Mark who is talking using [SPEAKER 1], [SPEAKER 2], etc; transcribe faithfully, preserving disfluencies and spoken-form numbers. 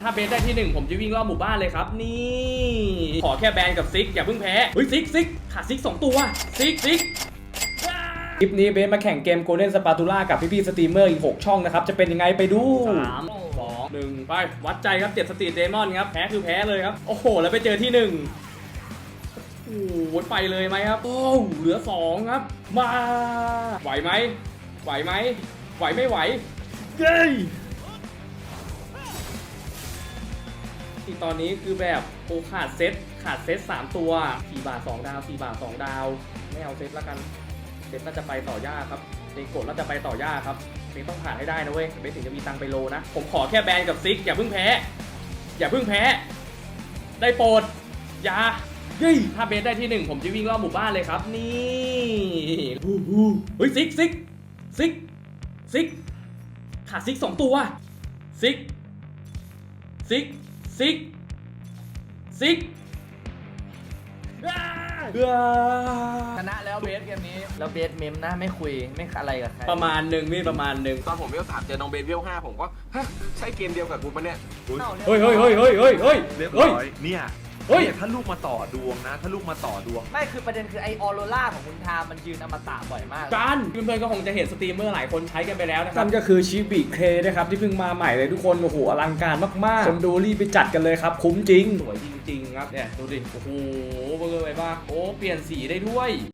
[SPEAKER 1] าเบสได้ที่หนึ่งผมจะวิ่งรอบหมู่บ้านเลยครับนี่ขอแค่แบนกับซิกอย่าเพิ่งแพ้เฮ้ยซิกซิกขาดซิกสองตัวซิกซิกคลิปนี้เบสมาแข่งเกม Golden Spatula กับพี่ๆสตรีมเมอร์อีกหกช่องนะครับจะเป็นยังไงไปดูสาม สอง หนึ่งไปวัดใจครับเจ็ดสตรีทเดมอนครับแพ้คือแพ้เลยครับโอ้โหแล้วไปเจอที่หนึ่งโอ้โหไปเลยไหมครับโอ้เหลือสองครับมาไหวไหมไหวไหมไหวไม่ไหวเย้ที่ตอนนี้คือแบบโอขาดเซตขาดเซตสามตัวสี่บาทสองดาวสี่บาทสองดาวไม่เอาเซตแล้วกันเซตน่าจะไปต่อยากครับเด็กกดแล้วจะไปต่อยากครับเด็กต้องผ่านให้ได้นะเว้ยเบสถึงจะมีตังค์ไปโลนะผมขอแค่แบนกับซิกอย่าเพิ่งแพ้อย่าเพิ่งแพ้ได้โปรดอย่าเฮ้ยถ้าเบสได้ที่หนึ่งผมจะวิ่งรอบหมู่บ้านเลยครับนี่เฮ้ยซิกซิกซิกซิกขาดซิกสองตัวซิกซิกซิกซิก
[SPEAKER 2] ชนะแล้วเบสเกมนี้แล้วเบสเมมนะไม่คุยไม่อะไรกับใคร
[SPEAKER 1] ประมาณหนึ่งนี่ประมาณหนึ่ง
[SPEAKER 3] ตอนผมเวลสามเจอน้องเบสเวลห้าผมก็ฮะใช่เกมเดียวกับกูปะเนี่ย
[SPEAKER 1] เฮ้ยเฮ้ยเฮ้ยเฮ้ยเฮ้ยเฮ้ย
[SPEAKER 4] เรียบร้อยเนี่ย
[SPEAKER 1] เฮ้ย
[SPEAKER 4] ถ้าลูกมาต่อดวงนะถ้าลูกมาต่อดวง
[SPEAKER 2] ไม่คือประเด็นคือไอออโรล่าของคุณทามมันยืนอมตะบ่อยมาก
[SPEAKER 1] การเพื่อนๆก็คงจะเห็นสตรีมเมอร์หลายคนใช้กันไปแล้วนะครับนั่นก็คือชิบิเคนะครับที่เพิ่งมาใหม่เลยทุกคนโอ้โหอลังการมากๆคนดูรีบไปจัดกันเลยครับคุ้มจริงสวยจริงๆครับเนี่ยดูดิโอ้โหเบอร์ไปบ้างโอ้เปลี่ยนสีได้ด้วย